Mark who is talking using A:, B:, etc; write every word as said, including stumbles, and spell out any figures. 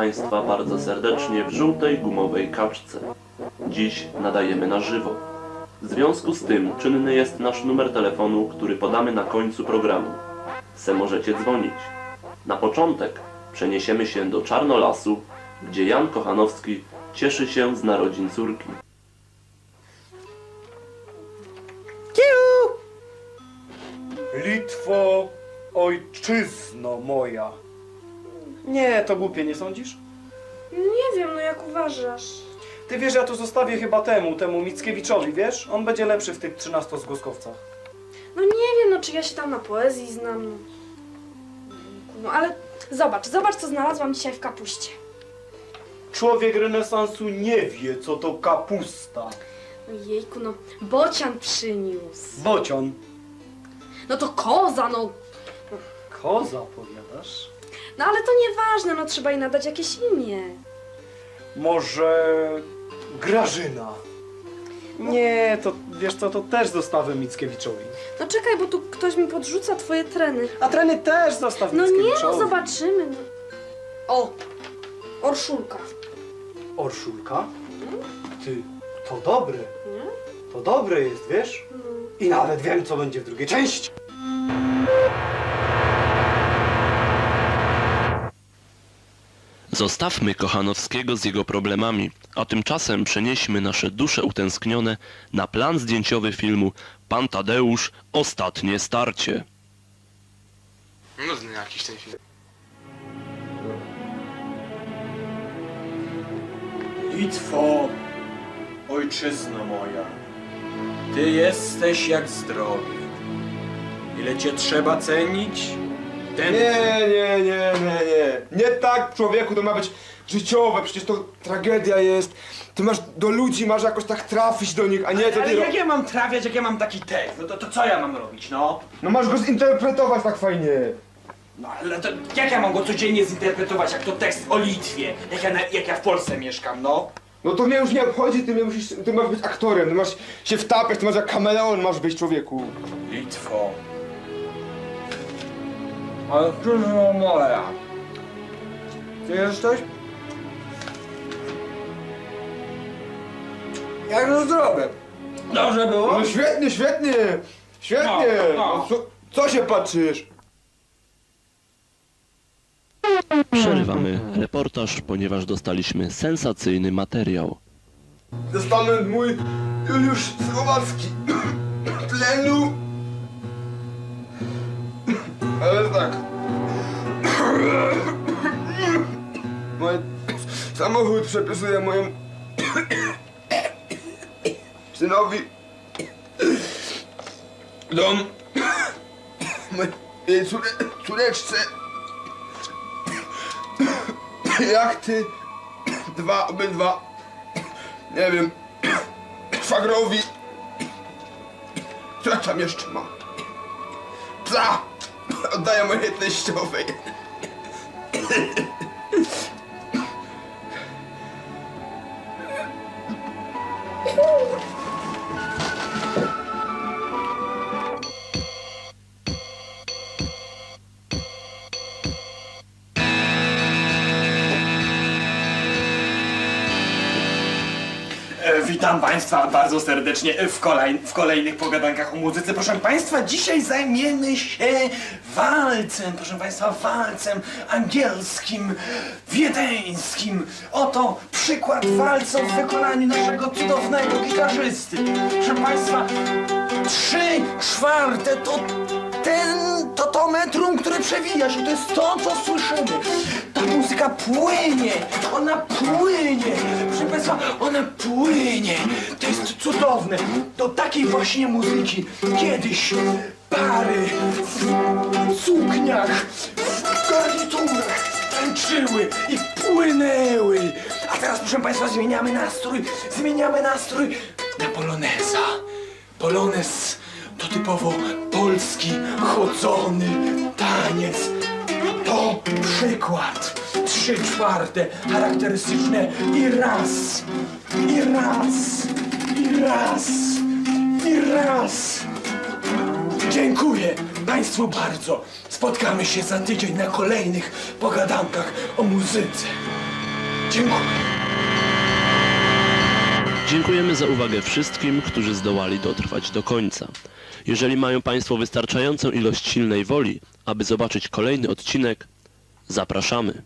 A: Państwa bardzo serdecznie w żółtej gumowej kaczce. Dziś nadajemy na żywo. W związku z tym czynny jest nasz numer telefonu, który podamy na końcu programu. Se możecie dzwonić. Na początek przeniesiemy się do Czarnolasu, gdzie Jan Kochanowski cieszy się z narodzin córki.
B: Kiu! Litwo, ojczyzno moja. Nie, to głupie, nie sądzisz?
C: Nie wiem, no jak uważasz?
B: Ty wiesz, ja to zostawię chyba temu, temu Mickiewiczowi, wiesz? On będzie lepszy w tych trzynastozgłoskowcach.
C: No nie wiem, no czy ja się tam na poezji znam. No, no ale zobacz, zobacz co znalazłam dzisiaj w kapuście.
B: Człowiek renesansu nie wie, co to kapusta.
C: No jejku, no bocian przyniósł.
B: Bocian.
C: No to koza, no.
B: Koza, powiadasz?
C: No ale to nieważne, no trzeba jej nadać jakieś imię.
B: Może Grażyna? Nie, to wiesz co, to też zostawię Mickiewiczowi.
C: No czekaj, bo tu ktoś mi podrzuca twoje treny.
B: A treny też zostaw
C: No nie,
B: Mickiewiczowi.
C: no zobaczymy. No. O, Orszulka.
B: Orszulka? Ty, to dobre.
C: Nie?
B: To dobre jest, wiesz?
C: No.
B: I nawet wiem, co będzie w drugiej części.
A: Zostawmy Kochanowskiego z jego problemami, a tymczasem przenieśmy nasze dusze utęsknione na plan zdjęciowy filmu Pan Tadeusz – Ostatnie starcie.
D: Nudny jakiś ten film.
E: Litwo, ojczyzno moja, ty jesteś jak zdrowie. Ile cię trzeba cenić? Ten...
F: Nie, nie, nie, nie, nie. Nie tak, człowieku, to ma być życiowe, przecież to tragedia jest. Ty masz do ludzi, masz jakoś tak trafić do nich, a nie to
E: Ale
F: ty...
E: jak ja mam trafiać, jak ja mam taki tekst? No to, to co ja mam robić, no?
F: No masz go zinterpretować tak fajnie.
E: No ale to jak ja mam go codziennie zinterpretować, jak to tekst o Litwie? Jak ja, na, jak ja w Polsce mieszkam, no?
F: No to mnie już nie obchodzi, ty, mnie musisz, ty masz być aktorem, ty masz się wtapiać, ty masz jak kameleon masz być, człowieku.
E: Litwo. Ojczyzno moja. Ty jesteś? Jak to zdrowe? Dobrze było?
F: No świetnie, świetnie, świetnie.
E: No, no.
F: No, co, co się patrzysz?
A: Przerywamy reportaż, ponieważ dostaliśmy sensacyjny materiał.
F: Testament mój Juliusz Słowacki. Tlenu. Ale tak. Mój samochód przepisuję mojemu synowi. Dom mojej córe, córeczce. Jachty. Dwa, obydwa. Nie wiem. Szwagrowi. Co ja tam jeszcze mam? Psa! Oddaję mojej teściowej.
E: E, Witam Państwa bardzo serdecznie w, kolej, w kolejnych pogadankach o muzyce. Proszę Państwa, dzisiaj zajmiemy się walcem, proszę Państwa, walcem angielskim, wiedeńskim. Oto przykład walca w wykonaniu naszego cudownego gitarzysty. Proszę Państwa, trzy czwarte to ten, to to metrum, które przewija się, to jest to, co słyszymy. Ta muzyka płynie, ona płynie, proszę Państwa, ona płynie. To jest cudowne. Do takiej właśnie muzyki kiedyś pary w sukniach, w garniturach tańczyły i płynęły. A teraz, proszę Państwa, zmieniamy nastrój, zmieniamy nastrój na poloneza. Polonez to typowo polski, chodzony taniec. To przykład. Trzy czwarte charakterystyczne i raz, i raz, i raz, i raz. Dziękuję Państwu bardzo. Spotkamy się za tydzień na kolejnych pogadankach o muzyce. Dziękuję.
A: Dziękujemy za uwagę wszystkim, którzy zdołali dotrwać do końca. Jeżeli mają Państwo wystarczającą ilość silnej woli, aby zobaczyć kolejny odcinek, zapraszamy.